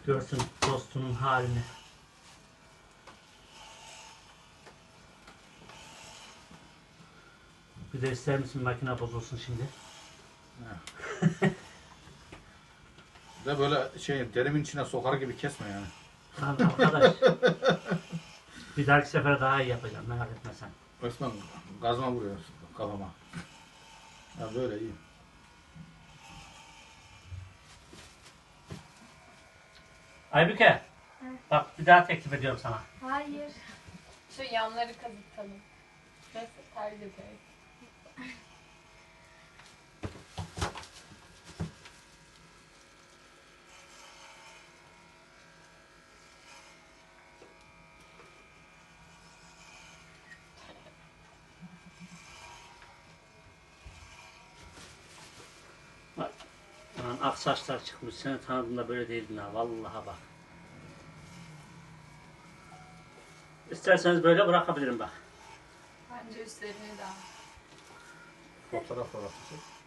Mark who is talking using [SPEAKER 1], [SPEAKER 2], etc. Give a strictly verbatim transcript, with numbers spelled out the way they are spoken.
[SPEAKER 1] Görsün dostunun halini. Bir de ister misin makine bozulsun şimdi?
[SPEAKER 2] Bir de böyle şey derimin içine sokar gibi kesme yani.
[SPEAKER 1] Lan arkadaş. Bir dahaki sefer daha iyi yapacağım, merak etme sen.
[SPEAKER 2] Resmen gazma vuruyor kafama. Ya böyle iyi.
[SPEAKER 1] Aybüke. Bak bir daha teklif ediyorum sana.
[SPEAKER 3] Hayır.
[SPEAKER 4] Şu yanları kazıtalım. Nasıl? Tercih ederim.
[SPEAKER 1] Bak. Lan ak saçlar çıkmış. Seni tanıdığımda böyle değildin ha. Vallahi bak. İsterseniz böyle bırakabilirim bak.
[SPEAKER 4] Bence üstlerini daha.
[SPEAKER 2] Fotoğraf fotoğraf çek.